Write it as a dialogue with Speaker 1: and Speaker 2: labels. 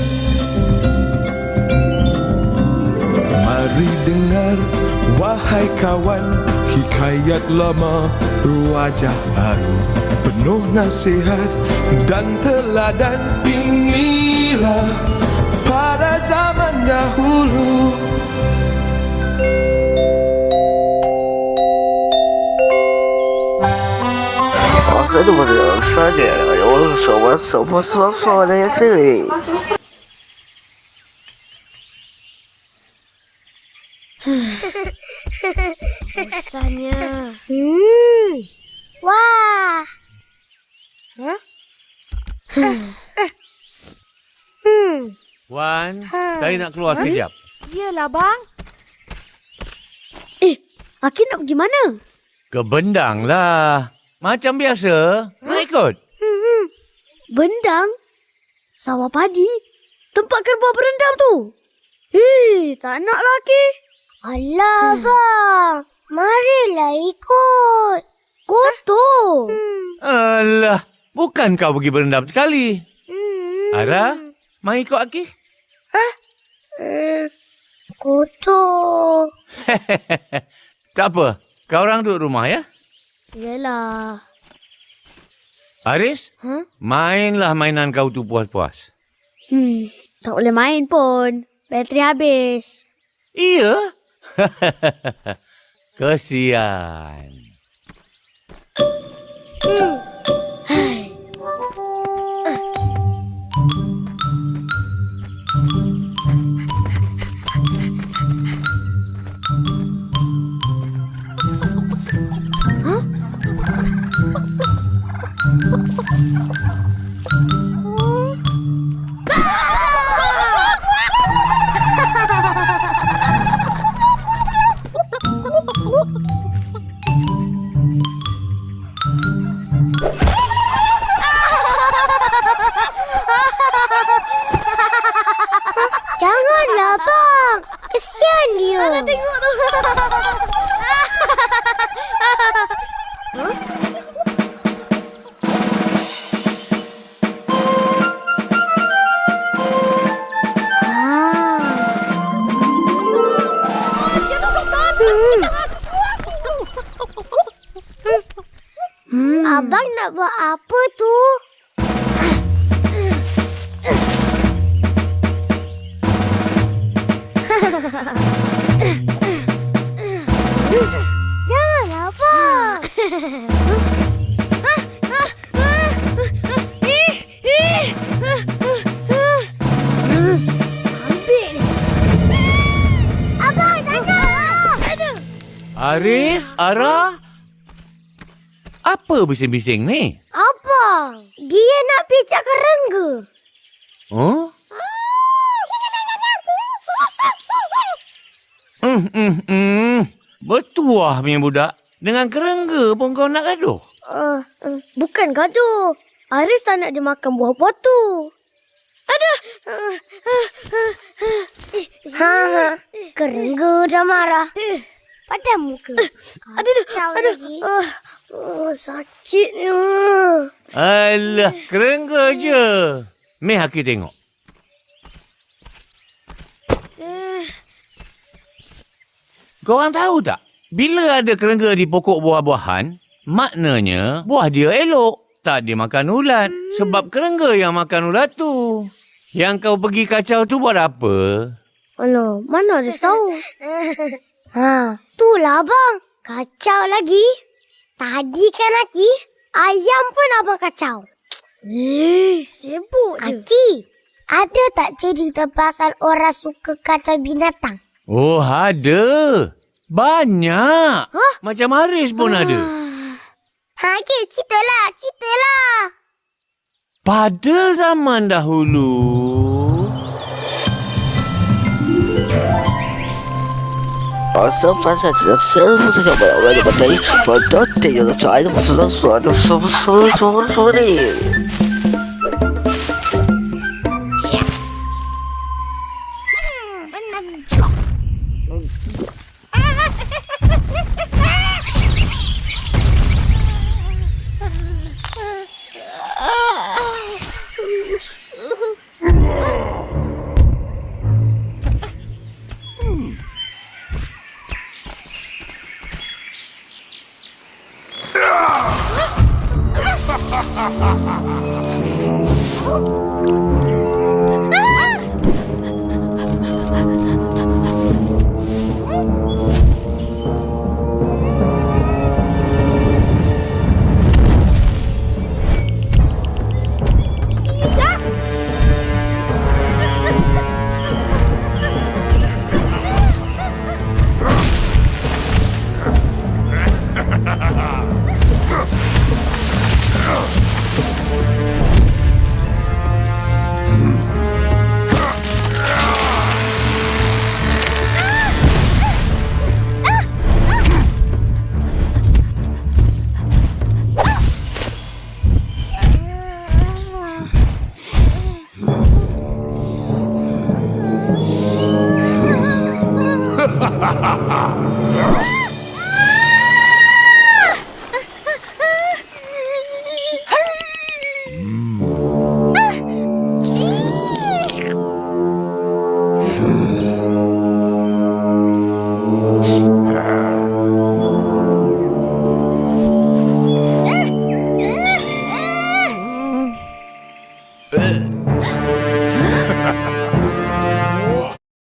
Speaker 1: Mari dengar, wahai kawan, hikayat lama berwajah baru, penuh nasihat dan teladan. Inilah pada zaman dahulu.
Speaker 2: Saya tu pada saja. Semua ada yang sini.
Speaker 3: Bosannya. Wah. Hah?
Speaker 4: Wan, saya nak keluar sekejap.
Speaker 5: Iyalah, bang.
Speaker 3: Aki nak pergi mana?
Speaker 4: Ke Bendang lah. Macam biasa. Nak ikut?
Speaker 3: Bendang? Sawah padi? Tempat kerbau berendam tu? Tak nak lah, Aki. Alah, bang. Marilah ikut. Kotor.
Speaker 4: Alah, bukan kau pergi berendam sekali. Ara, mai ikut Aki?
Speaker 3: Kotor.
Speaker 4: Tak apa, kau orang duduk rumah ya?
Speaker 3: Yalah.
Speaker 4: Haris, mainlah mainan kau tu puas-puas.
Speaker 3: Tak boleh main pun. Bateri habis.
Speaker 4: Iya? Kesian.
Speaker 3: Janganlah, bang. Kesian dia. Ada tengok tu. Abang nak buat apa tu? Janganlah, bang. Ambil ni. Abang, jangan.
Speaker 4: Haris, Ara, apa bising-bising ni?
Speaker 3: Abang, dia nak pijak kerengga.
Speaker 4: Oh? Bertuah punya budak. Dengan kerengga pun kau nak gaduh?
Speaker 3: Bukan gaduh. Haris tak nak dia makan buah-buah tu. Aduh. Kerengga dah marah. Padam muka. Kacau lagi. Sakitnya.
Speaker 4: Alah, kerengga je. Meh Aki tengok. Korang tahu tak? Bila ada kerengga di pokok buah-buahan, maknanya buah dia elok. Tak dia makan ulat. Sebab kerengga yang makan ulat tu. Yang kau pergi kacau tu buat apa?
Speaker 3: Alah, mana ada tahu. Itulah abang. Kacau lagi. Tadi kan Aki, ayam pun abang kacau. Sibuk je. Aki, ada tak cerita pasal orang suka kacau binatang?
Speaker 4: Oh, ada. Banyak. Macam Haris pun ada.
Speaker 3: Aki, ceritalah.
Speaker 4: Pada zaman dahulu,
Speaker 2: Pasal saya mesti sampai orang berbagai pada tiada saya mesti sesuatu semua ni.